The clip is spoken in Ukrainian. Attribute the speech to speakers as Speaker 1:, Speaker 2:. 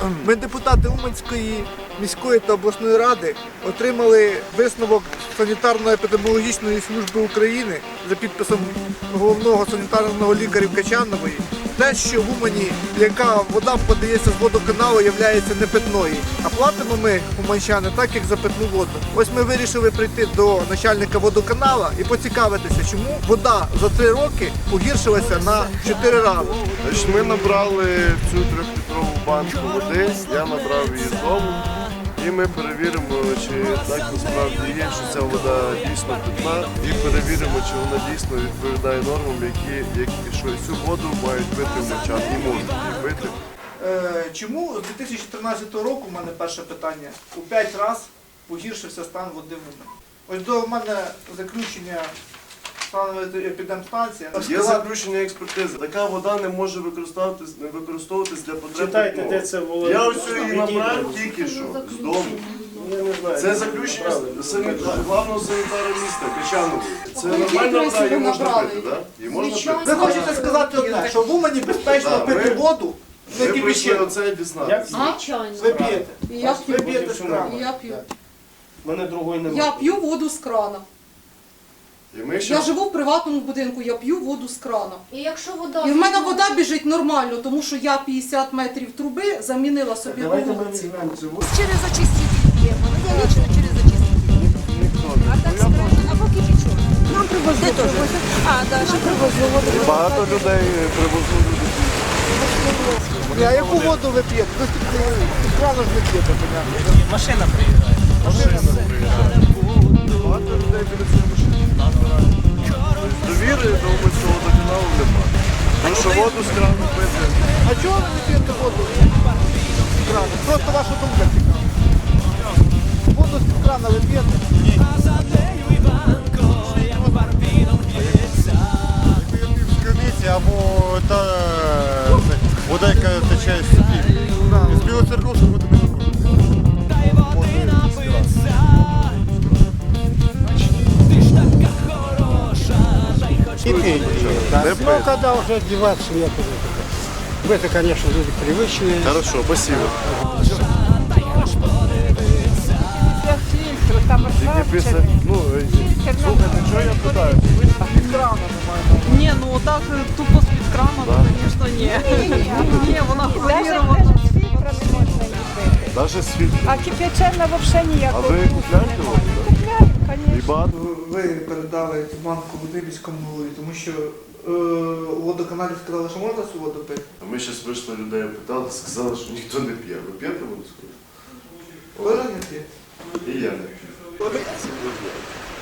Speaker 1: Ми, депутати Уманської міської та обласної ради, отримали висновок санітарно-епідеміологічної служби України за підписом головного санітарного лікаря Качанової. Те, що в Умані, яка вода подається з водоканалу, є непитною. А платимо ми, уманчани, так, як за питну воду. Ось ми вирішили прийти до начальника водоканала і поцікавитися, чому вода за 3 роки погіршилася на 4 рази.
Speaker 2: Значить, ми набрали цю 3-літрову банку води, я набрав її з дому. І ми перевіримо, чи так насправді є, що ця вода дійсно питна, і перевіримо, чи вона дійсно відповідає нормам, що цю воду мають пити уманчани і можуть її пити.
Speaker 1: Чому з 2013 року, у мене перше питання, у 5 разів погіршився стан води в Умані? Ось до мене заключення станової епідемстанції.
Speaker 2: Є заключення експертизи. Така вода не може використовуватись для потреб
Speaker 3: Читайте,
Speaker 2: питного.
Speaker 3: де це було.
Speaker 2: Я ось її набрав тільки що, з дому.
Speaker 3: Я не знаю.
Speaker 2: Це заключення главного санітара міста Качанової. Це нормальна вода, її можна пити, так? Її можна пити.
Speaker 1: Ви хочете сказати одне, що в Умані безпечно пити воду, не
Speaker 2: Ми прийшли
Speaker 1: кипячену.
Speaker 2: оце і дізнатися.
Speaker 4: Звичайно.
Speaker 1: Ви п'єте.
Speaker 4: І я
Speaker 1: Ви
Speaker 4: п'ю.
Speaker 1: п'єте з крану.
Speaker 4: І я п'ю.
Speaker 3: У мене другої немає.
Speaker 4: Я п'ю воду з крана.
Speaker 2: І ми
Speaker 4: Я
Speaker 2: ще
Speaker 4: живу в приватному будинку, я п'ю воду з крана.
Speaker 5: І якщо вода...
Speaker 4: І в мене вода біжить нормально, тому що я 50 метрів труби замінила собі по
Speaker 3: Давайте ми
Speaker 4: вулиці.
Speaker 3: візьмемо цю воду.
Speaker 6: Через очиститель п'ємо. Ну, я лично через очиститель. А так скажемо, або кипячок. Нам привозили теж. А, да, ще привозили воду.
Speaker 2: багато людей привозили.
Speaker 1: Ні, а яку воду ви п'єте? Ви з крану ж не п'єте, понятно.
Speaker 7: Машина приїжджає.
Speaker 2: Багато людей біля цієї машини. Довіри до Уманського водоканалу немає. Тому що воду з крану пити.
Speaker 1: А чого ви не п'єте воду з крану? Просто ваша думка цікава. Воду з крана ви п'єте?
Speaker 8: В криниці або та вода, яка тече з собі. З білого церковства воду не
Speaker 2: Не пити.
Speaker 9: Ну, когда уже одеваться некуда. Это, конечно, люди привычные.
Speaker 2: Хорошо, спасибо. Тільки після, ну, слухайте, що я питаю?
Speaker 10: Ні, ну так тупо з-під крана, то, звісно, ні. Ні, вона хлорірована.
Speaker 6: Навіть з фільтра не можна її пити.
Speaker 2: Навіть світло.
Speaker 6: А кип'ячена взагалі
Speaker 2: А
Speaker 6: ніякого.
Speaker 2: ви купляєте воду?
Speaker 6: Купляємо,
Speaker 2: І
Speaker 6: звісно.
Speaker 2: багато?
Speaker 1: Ви передали цю банку води міському голові, тому що у водоканалі сказали, що можна цю воду пити.
Speaker 2: А ми зараз вийшли людей, питали, сказали, що ніхто не п'є. Ви п'єте воду?
Speaker 1: Кожен не п'є.
Speaker 2: І я не п'ю.